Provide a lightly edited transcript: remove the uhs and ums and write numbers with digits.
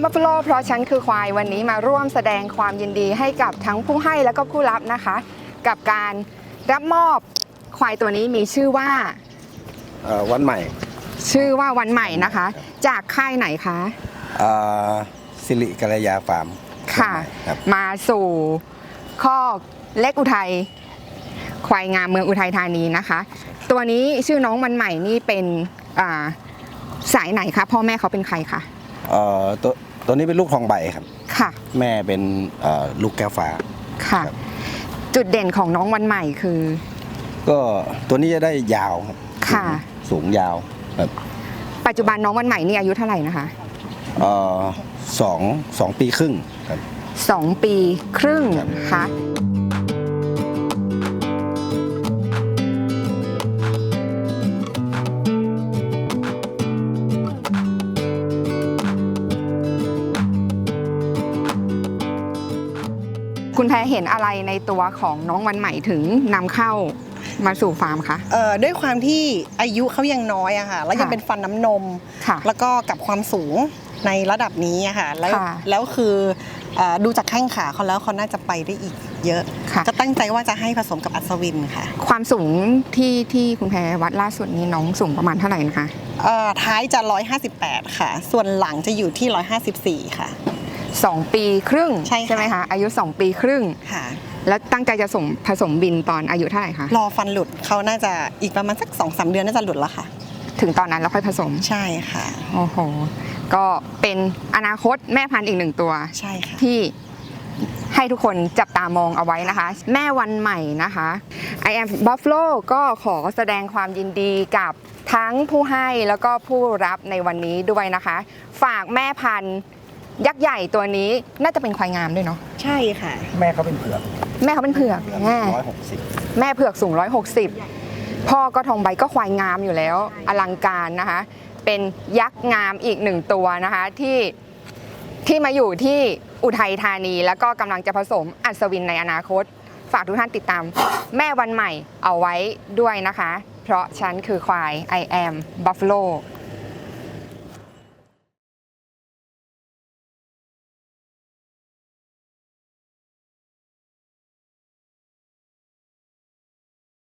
am Buffalo เพราะฉันคือควายวันนี้มาร่วมแสดงความยินดีให้กับทั้งผู้ให้และก็ผู้รับนะคะกับการรับมอบควายตัวนี้มีชื่อว่าวันใหม่ชื่อว่าวันใหม่นะคะจากค่ายไหนคะสิริกัลยาฟาร์มค่ะมาสู่ข้อเล็กอุทัยควายงามเมืองอุทัยธานีนะคะตัวนี้ชื่อน้องวันใหม่นี่เป็นสายไหนคะพ่อแม่เขาเป็นใครคะตัวนี้เป็นลูกทองใบครับค่ะแม่เป็นลูกแก้วฟ้าค่ะจุดเด่นของน้องวันใหม่คือก็ตัวนี้จะได้ยาวครับค่ะสูงยาวครับปัจจุบันน้องวันใหม่นี่อายุเท่าไหร่นะคะสองปีครึ่งครับ 2 ปีครึ่งค่ะคุณแพรเห็นอะไรในตัวของน้องวันใหม่ถึงนำเข้ามาสู่ฟาร์มคะด้วยความที่อายุเขายังน้อยอะค่ะแล้วยังเป็นฟันน้ำนมแล้วก็กับความสูงในระดับนี้อะค่ะแล้วคือดูจากแข้งขาเขาแล้วเขาน่าจะไปได้อีกเยอะจะตั้งใจว่าจะให้ผสมกับอัศวินค่ะความสูงที่คุณแพรวัดล่าสุดนี้น้องสูงประมาณเท่าไหร่นะคะท้ายจะ158ค่ะส่วนหลังจะอยู่ที่154ค่ะ 2 ปีครึ่งใช่ไหมคะอายุ2 ปีครึ่งค่ะแล้วตั้งใจจะผสมบินตอนอายุเท่าไหร่คะรอฟันหลุดเขาน่าจะอีกประมาณสัก 2-3 เดือนน่าจะหลุดแล้วค่ะถึงตอนนั้นแล้วค่อยผสมใช่ค่ะโอ้โหก็เป็นอนาคตแม่พันธุ์อีก1 ตัวใช่ค่ะที่ให้ทุกคนจับตามองเอาไว้นะคะแม่วันใหม่นะคะ I am Buffalo ก็ขอแสดงความยินดีกับทั้งผู้ให้แล้วก็ผู้รับในวันนี้ด้วยนะคะฝากแม่พันธุ์ยักษ์ใหญ่ตัวนี้น่าจะเป็นควายงามด้วยเนาะใช่ค่ะแม่เขาเป็นเผือกแม่เขาเป็นเผือก 160 แม่เผือกสูง160พ่อก็ทองใบก็ควายงามอยู่แล้วอลังการนะคะเป็นยักษ์งามอีก1 ตัวนะคะที่มาอยู่ที่อุทัยธานีแล้วก็กำลังจะผสมอัศวินในอนาคตฝากทุกท่านติดตามแม่วันใหม่เอาไว้ด้วยนะคะเพราะฉันคือควาย I am Buffalo